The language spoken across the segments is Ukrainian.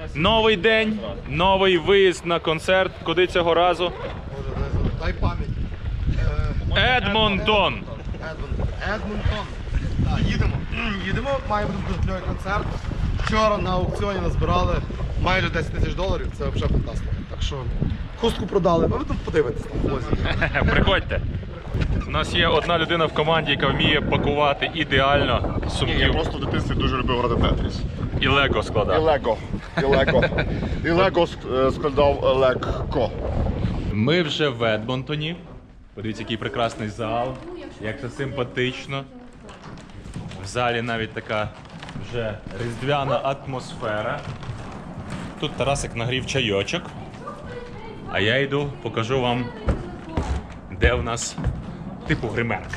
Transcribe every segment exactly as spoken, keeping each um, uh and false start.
Новий день, новий виїзд на концерт. Куди цього разу? Дай пам'ять. Едмонтон. Едмонтон. Так, їдемо. Їдемо, має бути дуже кльовий концерт. Вчора на аукціоні назбирали майже десять тисяч доларів, це взагалі фантастика. Так що хустку продали, а ви тут подивитесь на влозі. Приходьте. У нас є одна людина в команді, яка вміє пакувати ідеально Ні, я сумків. просто в дитинстві дуже любив грати Тетріс. І лего І складати. Лего. І Лего. І Лего е, складав легко. Ми вже в Едмонтоні. Подивіться, який прекрасний зал, як це симпатично. В залі навіть така вже різдвяна атмосфера. Тут Тарасик нагрів чайочок. А я йду, покажу вам, де в нас типу гримерка.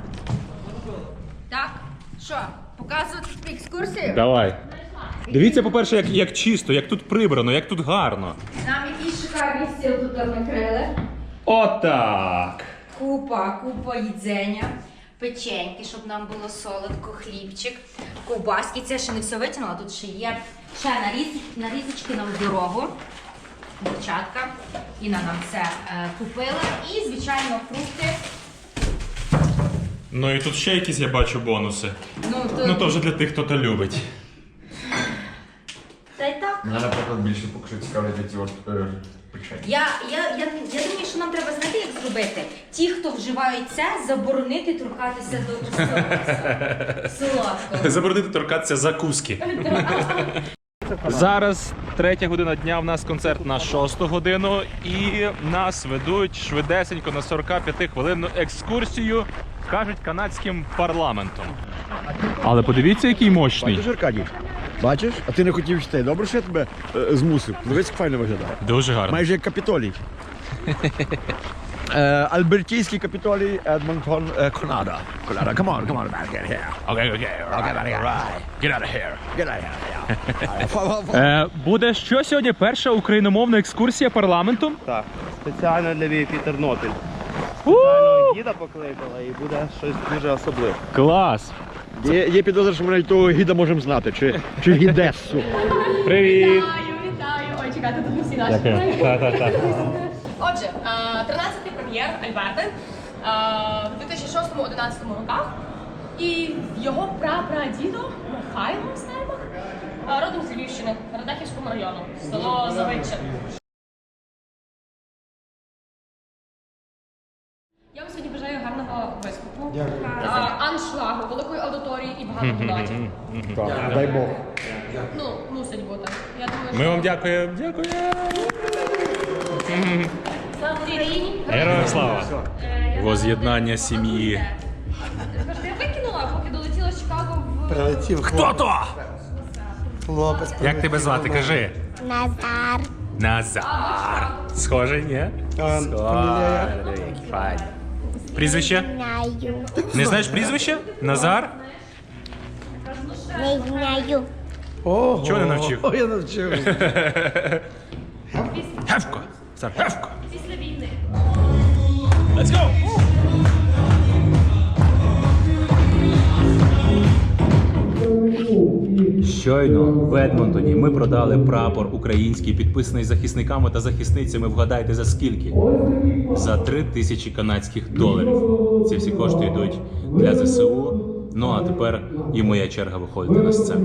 Так, що, показувати екскурсію? Давай. Дивіться, по-перше, як, як чисто, як тут прибрано, як тут гарно. Нам якийсь шикарний стіл тут накрили. Отак. Купа, купа їдзення, печеньки, щоб нам було солодко, хлібчик, ковбаски. Це ще не все витягнула, тут ще є ще наріз, нарізочки нам в дорогу. Дівчатка. Інна нам це е, купила. І, звичайно, фрукти. Ну і тут ще якісь я бачу бонуси. Ну, то, Ну то вже для тих, хто то любить. Та й так. Мене, наприклад, більше поки що цікавлять ці от е, печені. Я, я, я, я думаю, що нам треба знати, як зробити. Ті, хто вживають це, заборонити торкатися до солодкого. Заборонити торкатися закуски. Зараз третя година дня, в нас концерт на шосту годину і нас ведуть швидесенько на сорок п'ять хвилинну екскурсію, кажуть, канадським парламентом. Але подивіться, який мощний. Бачиш, Аркадій? Бачиш? А ти не хотів йти. Добре, що я тебе е, змусив. Дивись, як файно виглядає. Дуже гарно. Майже як Капітолій. Е, Альбертійський Капітолій, Едмонтон, е, Канада. Канада, come on, come on, man, get here. Окей, окей, Okay, man, get right. Get out of here. Get out of here. Yeah. Е, буде що сьогодні? Перша україномовна екскурсія парламентом? Так, спеціально для Тернопіль. Спеціально гіда покликала і буде щось дуже особливе. Клас! Є, є підозра, що ми навіть того гіда можемо знати, чи, чи гідесу. Привіт! Вітаю, вітаю! Ой, чекайте, тут не всі наші. Так-так-так. Отже, тринадцятий прем'єр Альберти в дві тисячі шостому-одинадцятому роках. І його прапрадідо Михайло Стельмах, родом з Львівщини, Радехівського району, село Завидче. Я вам сьогодні бажаю гарного виступу, а, аншлагу, великої аудиторії і багато донатів. Так, дай Бог. Ну, мусить бути. Я думаю, Ми вам дякуємо. Дякуємо. слава Україні! Героям слава! Воз'єднання сім'ї. Скажете, я викинула, поки долетіла з Чикаго в... Прилетів Хто то? хлопець. Як тебе звати? Кажи. Назар. Назар. Схожий, ні? Схожий. Який файний. Прізвище? Знаю. Не знаєш прізвище? Назар? Не знаю. Ого. Чого не навчив? О, я навчив. Гевко. Назар, гевко. Після війни. Let's go! Щойно в Едмонтоні ми продали прапор український, підписаний захисниками та захисницями. Вгадайте за скільки? За три тисячі канадських доларів. Ці всі кошти йдуть для зе се у. Ну а тепер і моя черга виходити на сцену.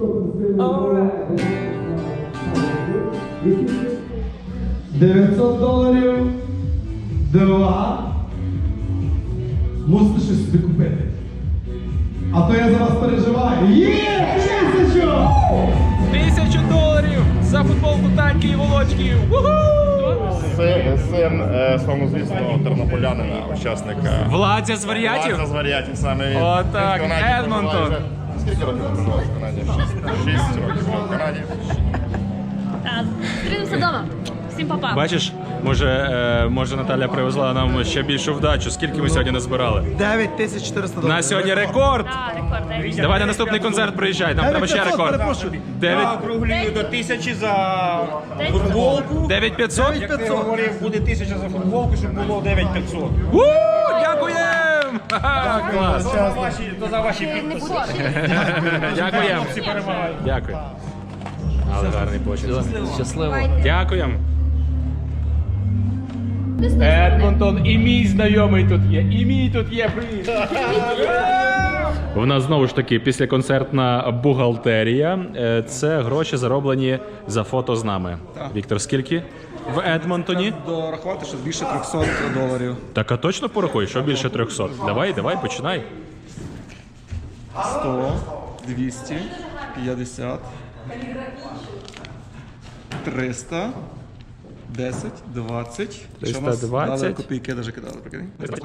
дев'ятсот доларів. Два. Мусите щось собі купити. А то я за вас переживаю. Є! Тисячу! Тисячу доларів за футболку Таньки і Володьки! Син, син е, славнозвісного тернополянина, учасника. Владзя з варіатів? Владзя з варіатів, саме він. Отак, Він в Канаді Едмонтон. проживає вже- Скільки років проживає в Канаді? Шість. Шість років був в Канаді. Так, зустрінемося вдома. Всім па-па. Бачиш, може, е, може Наталя привезла нам ще більшу вдачу. Скільки ми сьогодні назбирали? дев'ять тисяч чотириста доларів. На сьогодні рекорд! Так, рекорд. дев'ять. Давай на наступний концерт приїжджай, нам треба ще рекорд. дев'ять Округлюю до тисячі за футболку. дев'ять п'ятсот? Як ти говорив, буде тисяча за футболку, щоб було дев'ять п'ятсот. У, Дякуємо! Ха-ха, Клас! То за ваші, то за ваші Не підписи. буде. Дякуємо! Всі перемагають. Дякую. Але гарний почерк. Щасливо. Дякуємо. Едмонтон, і мій знайомий тут є, і мій тут є, привіт! У нас знову ж таки післяконцертна бухгалтерія. Е, Це гроші зароблені за фото з нами. Віктор, скільки в Едмонтоні? Дорахувати, що більше трьохсот доларів. Так, а точно порахуй, що більше трьохсот? Давай, давай, починай. сто, двісті, п'ятдесят, триста, десять, двадцять. Що нас триста двадцять. дали копійки, навіть кидали, прикинь?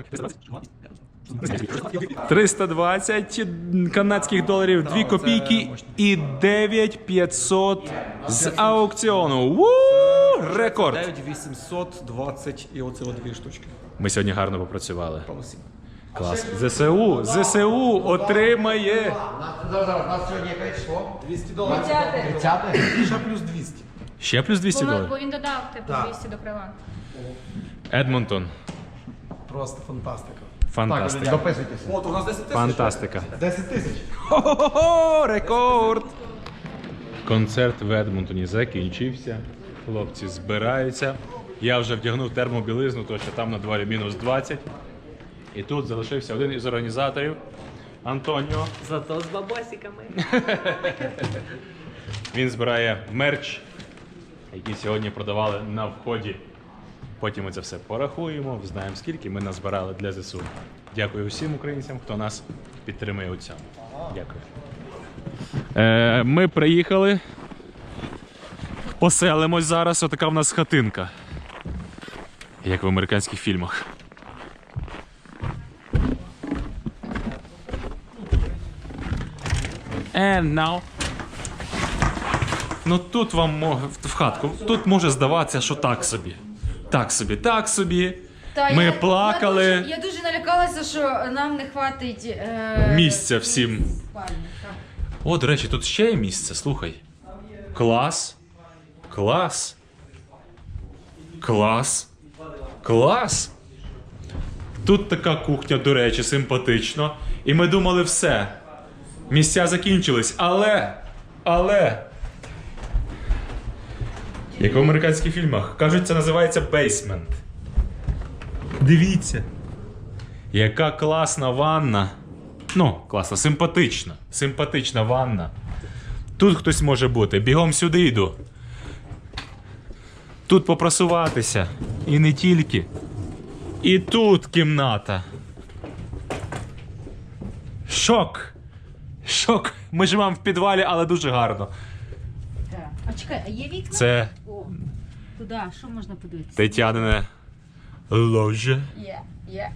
триста двадцять канадських доларів, дві копійки і дев'ять п'ятсот з аукціону. Ву! Рекорд! дев'ять вісімсот двадцять і оце от дві штучки. Ми сьогодні гарно попрацювали. Клас. ЗСУ, ЗСУ отримає. двісті доларів. Ще плюс двісті. Ще плюс двісті доларів. Бо він додав типу двісті до крила. Едмонтон. Просто фантастика. Фантастика. Дописуйтеся. От, у нас десять тисяч. Фантастика. десять тисяч. Хо-хо-хо! Рекорд! Концерт в Едмонтоні закінчився. Хлопці збираються. Я вже вдягнув термобілизну, тому що там на дворі мінус двадцять. І тут залишився один із організаторів Антоніо. Зато з бабосиками. Він збирає мерч, який сьогодні продавали на вході. Потім ми це все порахуємо, знаємо скільки ми назбирали для ЗСУ. Дякую усім українцям, хто нас підтримує у цьому. Дякую. Е, ми приїхали. Поселимось зараз. Отака в нас хатинка. Як в американських фільмах. And now. Ну тут вам мо- в хатку. Тут може здаватися, що так собі. Так собі, так собі. Та Ми я, плакали. Я дуже, я дуже налякалася, що нам не хватить е... Місця всім. спальні, так. О, до речі, тут ще є місце, слухай. Клас. Клас. Клас. Клас. Тут така кухня, до речі, симпатично. І ми думали, все. Місця закінчились, але. Але. Як в американських фільмах. Кажуть, це називається бейсмент. Дивіться. Яка класна ванна. Ну, класна, симпатична. Симпатична ванна. Тут хтось може бути. Бігом сюди йду. Тут попрасуватися. І не тільки. І тут кімната. Шок. Шок. Ми живемо в підвалі, але дуже гарно. Так. А чекай, а є вікна? Це О, туди, що можна подивитися? Тетянине ложе. Є, є.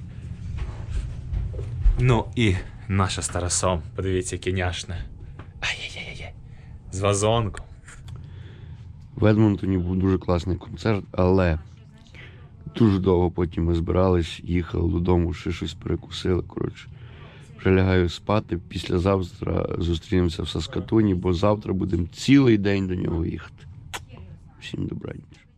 Ну і наша з Тарасом. Подивіться, яке няшне. Ай-яй-яй-яй. З вазонком. В Едмонтоні був дуже класний концерт, але дуже довго потім ми збирались, їхали додому, ще щось перекусили. Коротше, вже лягаю спати. Післязавтра зустрінемося в Саскатуні, бо завтра будемо цілий день до нього їхати. Всім добраніч.